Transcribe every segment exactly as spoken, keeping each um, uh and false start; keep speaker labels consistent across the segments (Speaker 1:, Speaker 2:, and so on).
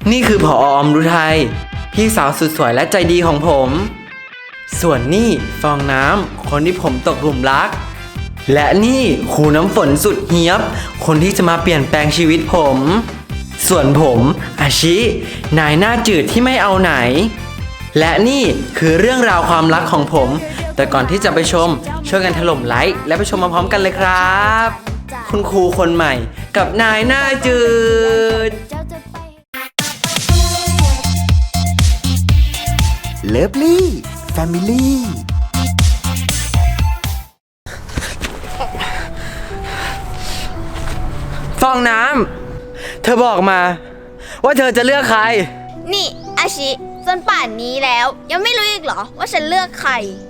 Speaker 1: นี่คือผออมรุทัยพี่สาวสุดสวยและใจดีของผม ส่วนนี่ฟองน้ำคนที่ผมตกหลุมรัก และนี่ครูน้ำฝนสุดเฮียบคนที่จะมาเปลี่ยนแปลงชีวิตผม ส่วนผมอาชินายหน้าจืดที่ไม่เอาไหน และนี่คือเรื่องราวความรักของผม แต่ก่อนที่จะไปชมช่วยกันถล่มไลค์และไปชมมาพร้อมกันเลยครับ คุณครูคนใหม่กับนายหน้าจืด
Speaker 2: เลิฟลี่แฟมิลี่
Speaker 1: ฟองน้ำเธอบอกมาว่าเธอจะเลือกใคร
Speaker 3: นี่อาชิจนป่านนี้แล้วยังไม่รู้อีกเหรอว่าฉันเลือกใคร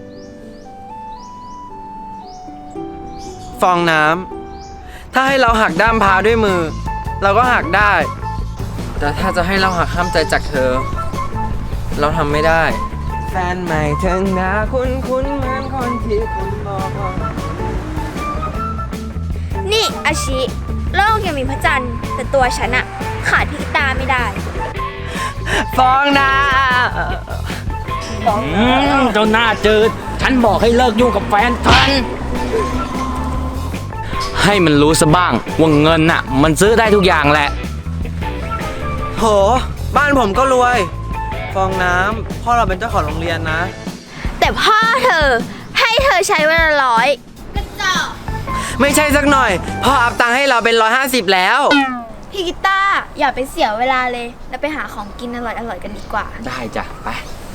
Speaker 1: ฟองน้ำถ้าให้เราหักด้ามพร้าวด้วยมือ เราก็หักได้ แต่ถ้าจะให้เราหักห้ามใจจากเธอ เราทำไม่ได้ แฟนใหม่เธอหน้าคุ้นคุ้นเหมือนคนที่คุณบอก
Speaker 3: นี่อาชิโลกยังมีพระจันทร์แต่ตัวฉันอะขาดพี่กีตาร์ไม่ได้
Speaker 1: ฟองน้
Speaker 4: อืมเจ้าหน้าจืด ฉันบอกให้เลิกยุ่งกับแฟนฉัน ให้มันรู้ซะบ้างว่าเงินน่ะ มันซื้อได้ทุกอย่างแหละ
Speaker 1: ำโหบ้านผมก็รวย ฟองน้ำพ่อเราเป็นเจ้าของโรงเรียนนะ
Speaker 3: แต่พ่อเธอให้เธอใช้เวลาร้อยกระจอก
Speaker 1: ไม่ใช่สักหน่อย พ่ออัพตังค์ให้เราเป็นร้อยห้าสิบแล้ว
Speaker 3: พี่กีตาร์อย่าไปเสียเวลาเลยแล้วไปหาของกินอร่อยๆกันดีกว่า
Speaker 4: ได้จ้ะ ไป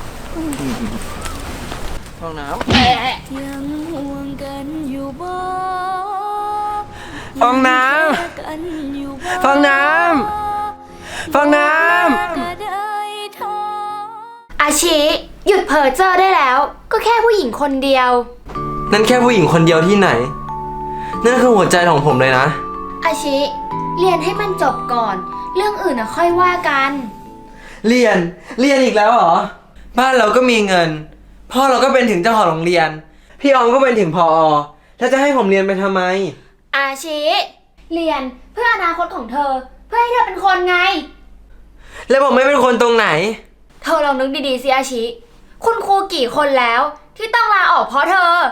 Speaker 1: ฟองน้
Speaker 5: ยังห่วงกันอยู่บ่
Speaker 1: ำฟองน้
Speaker 5: กันอยู่บ่
Speaker 1: ำฟองน้ำฟองน้ำ
Speaker 5: ก็ได้ทอ
Speaker 3: อาชิหยุดเพ้อเจ้อได้แล้ว ก็แค่ผู้หญิงคนเดียว
Speaker 1: นั่นแค่ผู้หญิงคนเดียวที่ไหน นั่นคือหัวใจของผมเลยนะ
Speaker 3: อาชิเรียนให้มันจบก่อน เรื่องอื่นอะค่อยว่ากัน
Speaker 1: เรียน เรียนอีกแล้วเหรอ บ้านเราก็มีเงิน พ่อเราก็เป็นถึงเจ้าของโรงเรียน พี่ออมก็เป็นถึงพอแล้วจะให้ผมเรียนไปทำไม
Speaker 3: อาชิเรียนเพื่ออนาคตของเธอ เพื่อให้เธอเป็นคนไง
Speaker 1: แล้วผมไม่เป็นคนตรงไหน
Speaker 3: เธอลองนึกดีๆสิอาชิ คุณครูกี่คนแล้ว ที่ต้องลาออกเพราะเธอ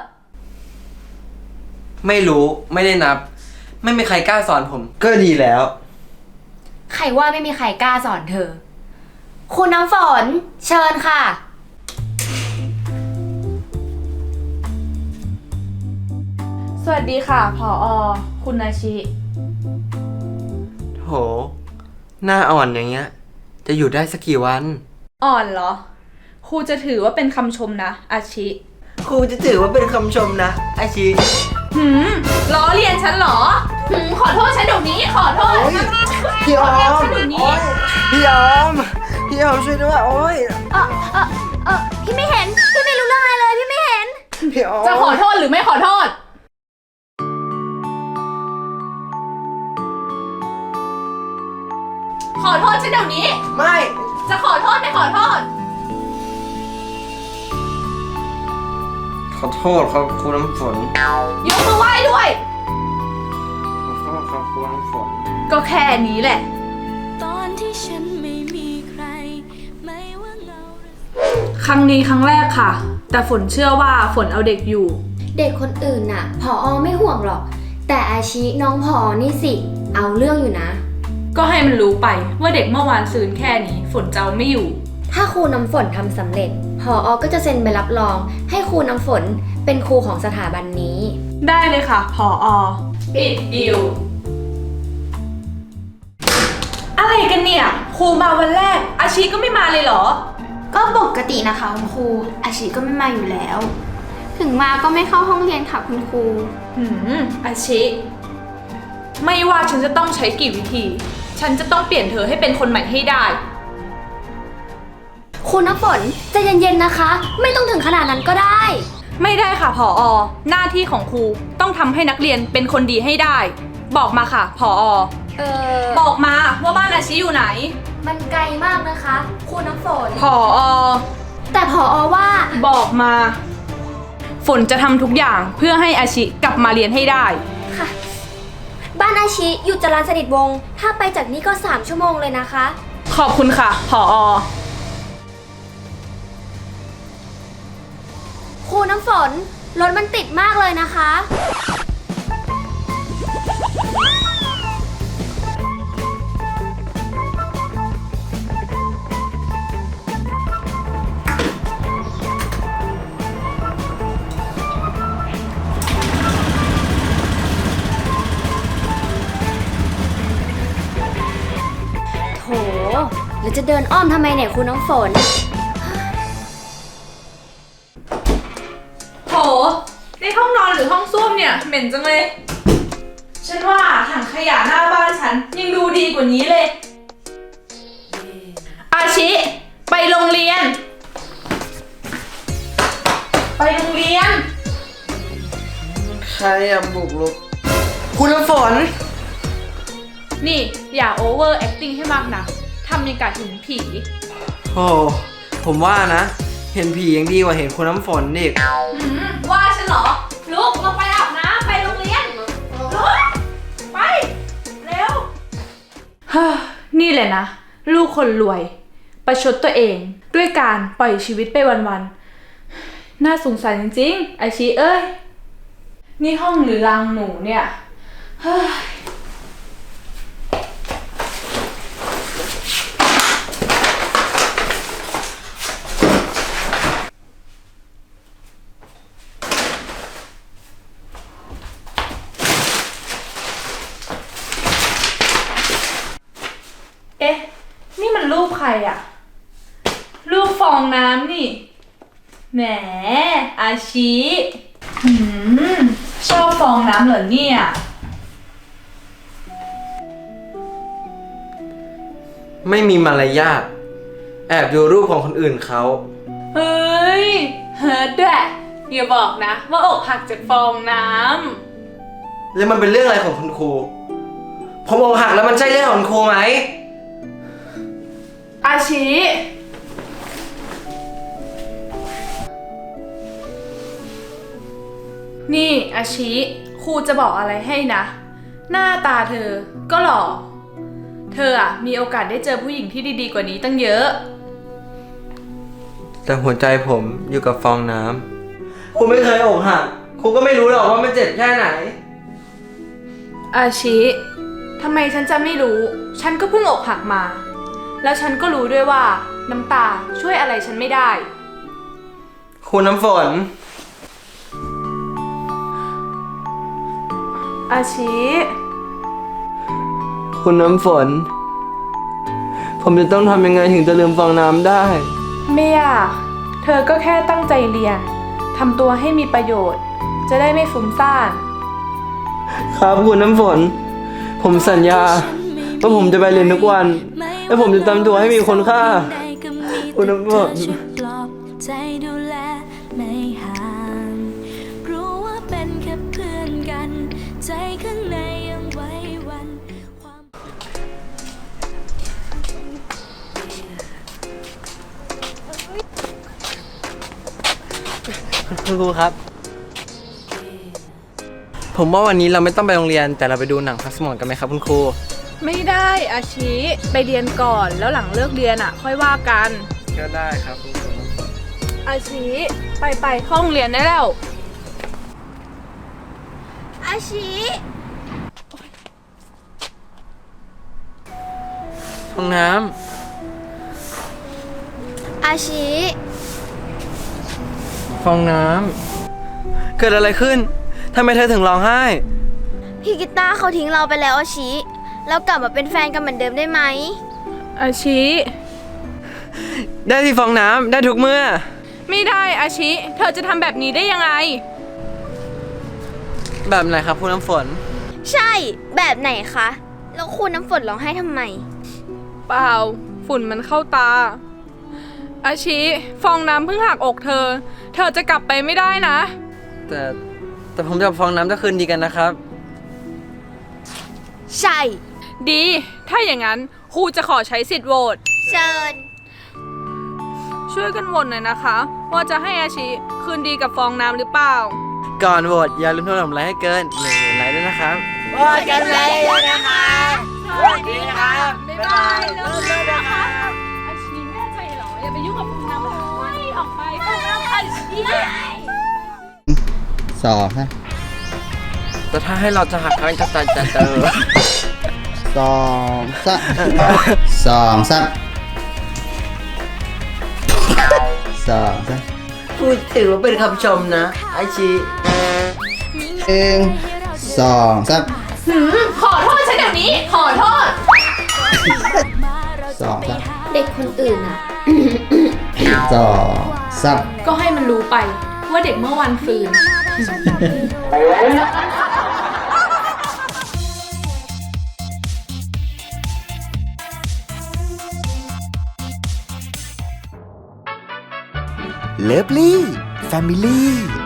Speaker 1: ไม่รู้ ไม่ได้นับ ไม่มีใครกล้าสอนผม ก็ดีแล้ว
Speaker 3: ใครว่าไม่มีใครกล้าสอนเธอ คุณน้ำฝน เชิญค่ะ
Speaker 6: สวัสดีค่ะ ผอ คุณอาชิ
Speaker 1: โห หน้าอ่อนอย่างเงี้ย จะอยู่ได้สักกี่วัน
Speaker 6: อ่อนเหรอ ครูจะถือว่าเป็นคำชมนะ อาชิ
Speaker 1: ครูจะถือว่าเป็นคำชมนะอาชี
Speaker 6: หืมล้อเลียนฉันเหรอ หืม ขอโทษฉันเดี๋ยวนี้ ขอโทษ
Speaker 1: พี่ออม
Speaker 6: ฉันเดี๋ยวนี้
Speaker 1: พี่ออม พี่ออมช่วยด้วย โอ้ย
Speaker 3: เออเออเออพี่ไม่เห็น พี่ไม่รู้เรื่องอะไรเลย พี่ไม่เห็น
Speaker 1: พี่ออม
Speaker 6: จะขอโทษหรือไม่ขอโทษ ขอโทษฉันเดี๋ยวนี้
Speaker 1: ไม่
Speaker 6: จะขอโทษไม่ขอโทษ
Speaker 1: ขอโทษครับครูน้ำฝน
Speaker 6: ยกมือไหว้ด้วย
Speaker 1: ขอโทษครับครูน้ำฝน
Speaker 6: ก็แค่นี้แหละ
Speaker 5: ตอนที่ฉันไม่มีใคร ไม่ว่าเงา
Speaker 6: ครั้งนี้ครั้งแรกค่ะ แต่ฝนเชื่อว่าฝนเอาเด็กอยู่
Speaker 3: เด็กคนอื่นน่ะผอไม่ห่วงหรอก แต่อาชิน้องผอนี่สิ เอาเรื่องอยู่นะ
Speaker 6: ก็ให้มันรู้ไปว่าเด็กเมื่อวานซืนแค่นี้ฝนจะเอาไม่อยู่
Speaker 3: ถ้าครูน้ำฝนทำสำเร็จผอก็จะเซ็นใบรับรอง ให้ครูน้ำฝนเป็นครูของสถาบันนี้
Speaker 6: ได้เลยค่ะ ผอ ปิดดิว อะไรกันเนี่ย ครูมาวันแรก อาชีก็ไม่มาเลยเหรอ
Speaker 7: ก็ปกตินะคะคุณครูอาชีก็ไม่มาอยู่แล้ว ถึงมาก็ไม่เข้าห้องเรียนค่ะคุณครู
Speaker 6: หืม อาชิ ไม่ว่าฉันจะต้องใช้กี่วิธี ฉันจะต้องเปลี่ยนเธอให้เป็นคนใหม่ให้ได้
Speaker 3: ครูน้ำฝนใจเย็นๆนะคะ ไม่ต้องถึงขนาดนั้นก็ได้
Speaker 6: ไม่ได้ค่ะ ผอ หน้าที่ของครูต้องทำให้นักเรียนเป็นคนดีให้ได้ บอกมาค่ะ ผอ
Speaker 3: เออ
Speaker 6: บอกมาว่าบ้านอาชิอยู่ไหน
Speaker 3: มันไกลมากนะคะครูน้ำฝน
Speaker 6: ผอ
Speaker 3: แต่ผอว่า
Speaker 6: บอกมา ฝนจะทำทุกอย่างเพื่อให้อาชิกลับมาเรียนให้ได้
Speaker 3: ค่ะ บ้านอาชิอยู่จรัญสนิทวงศ์ถ้าไปจากนี้ก็สามชั่วโมงเลยนะคะ
Speaker 6: ขขอบคุณค่ะผออ
Speaker 3: ครูน้ำฝน รถมันติดมากเลยนะคะ โถ แล้วจะเดินอ้อมทำไมเนี่ยครูน้ำฝน
Speaker 6: โห ในห้องนอนหรือห้องส้วมเนี่ยเหม็นจังเลย ฉันว่าถังขยะหน้าบ้านฉันยังดูดีกว่านี้เลย อาชิ ไปโรงเรียน ไปโรงเรียน
Speaker 1: ใครอะบุกรุกคุณน้ำฝน
Speaker 6: นี่อย่าโอเวอร์แอคติ้งให้มากนะทำยังกะเห็นผี
Speaker 1: โอ้ผมว่านะ เห็นผียังดีกว่าเห็นคุณน้ำฝนอีก
Speaker 6: อืมว่าฉันเหรอ ลุกลงไปอาบน้ำไปโรงเรียน ลุก ไป เร็ว ฮ่า นี่แหละนะ ลูกคนรวย ประชดตัวเองด้วยการปล่อยชีวิตไปวันๆ น่าสงสารจริงๆ อาชีเอ้ย นี่ห้องหรือรางหนูเนี่ยเฮ้ย เอ๊ะ นี่มันรูปใครอะรูปฟองน้ำนี่ แหม อาชิหืม ชอบฟองน้ำเหรอเนี่ย
Speaker 1: ไม่มีมารยาทแอบดูรูปของคนอื่นเขา
Speaker 6: เฮ้ย เฮิร์ดด้วยอย่าบอกนะ ว่าอกหักจากฟองน้
Speaker 1: แล้วมันเป็นเรื่องอะไรของคุณครู ผมอกหักแล้วมันใช่เรื่องของคุณครูไหม
Speaker 6: ำอาชิ นี่อาชิครูจะบอกอะไรให้นะ หน้าตาเธอก็หล่อ เธออะมีโอกาสได้เจอผู้หญิงที่ดีๆกว่านี้ตั้งเยอะ
Speaker 1: แต่หัวใจผมอยู่กับฟองน้ำครูไม่เคยอกหักครูก็ไม่รู้หรอกว่ามันเจ็บแค่ไหน
Speaker 6: อาชิทำไมฉันจะไม่รู้ ฉันก็เพิ่งอกหักมา แล้วฉันก็รู้ด้วยว่าน้ำตาช่วยอะไรฉันไม่ได้
Speaker 1: ครูน้ำฝน
Speaker 6: อาชิ
Speaker 1: คุณน้ำฝน ผมจะต้องทำยังไงถึงจะลืมฟองน้ำได้
Speaker 6: ไม่อยากเธอก็แค่ตั้งใจเรียน ทำตัวให้มีประโยชน์ จะได้ไม่ฟุ้งซ่าน
Speaker 1: ครับคุณน้ำฝน ผมสัญญาว่าผมจะไปเรียนทุกวัน และผมจะทำตัวให้มีคุณค่า คุณน้ำฝน
Speaker 5: ปลอบใจดูแลไม่ห่างรู้ว่าเป็นแค่เพื่อนกัน ใจข้างในยังไว้วันความ
Speaker 1: คุณครูครับ ผมว่าวันนี้เราไม่ต้องไปโรงเรียน แต่เราไปดูหนังพักสมองกันไหมครับคุณครู
Speaker 6: ไม่ได้อาชิไปเรียนก่อนแล้วหลังเลิกเรียนอ่ะ ค่อยว่ากัน
Speaker 1: ก็ได้ครับคุณครู
Speaker 6: อาชิไปไปห้องเรียนได้แล้ว
Speaker 3: อาชิ
Speaker 1: ห้องน้
Speaker 3: อาชิ
Speaker 1: ำฟองน้ำเกิดอะไรขึ้นทำไมเธอถึงร้องไห้
Speaker 3: พี่กีตาร์เขาทิ้งเราไปแล้วอาชิ เรากลับมาเป็นแฟนกันเหมือนเดิมได้ไหม
Speaker 6: อาชิ
Speaker 1: ได้ที่ฟองน้ำได้ทุกเมื่อ
Speaker 6: ไม่ได้อาชิ เธอจะทำแบบนี้ได้ยังไง
Speaker 1: แบบไหนครับคุณน้ำฝน
Speaker 3: ใช่ แบบไหนคะ แล้วครูน้ำฝนร้องไห้ทำไม
Speaker 6: เปล่า ฝุ่นมันเข้าตา อาชิฟองน้ำเพิ่งหักอกเธอ เธอจะกลับไปไม่ได้นะ
Speaker 1: แต่แต่ผมกับฟองน้ำจะคืนดีกันนะครับ
Speaker 3: ใช่
Speaker 6: ดี ถ้าอย่างนั้นครูจะขอใช้สิทธิ์โหวต
Speaker 3: เชิญ
Speaker 6: ช่วยกันโหวตหน่อยนะคะ ว่าจะให้อาชิคืนดีกับฟองน้ำหรือเปล่า
Speaker 1: ก่อนโหวตอย่าลืมโทรผมไลค์ให้เกินหนึ่งหมื่นไลค์ด้วยนะครับ
Speaker 3: โหวตกันเลยนะคะ
Speaker 1: สวัสดีครับ
Speaker 6: บ๊ายบายเลิกๆนะคะ
Speaker 8: สองสาม
Speaker 1: แต่ถ้าให้เราจะหักกันจะจะจะเจอ
Speaker 8: สองสามสองสามสองสาม
Speaker 1: พูดถือว่าเป็นคำชมนะ ไอชี
Speaker 8: หนึ่งสองสาม
Speaker 6: ขอโทษฉันเดี๋ยวนี้ ขอโทษ
Speaker 8: สองสาม
Speaker 3: เด็กคนอื่นอะ
Speaker 8: สองสาม
Speaker 6: ก็ให้มันรู้ไปว่าเด็กเมื่อวันฟืน
Speaker 2: เลิฟลี่แฟมิลี่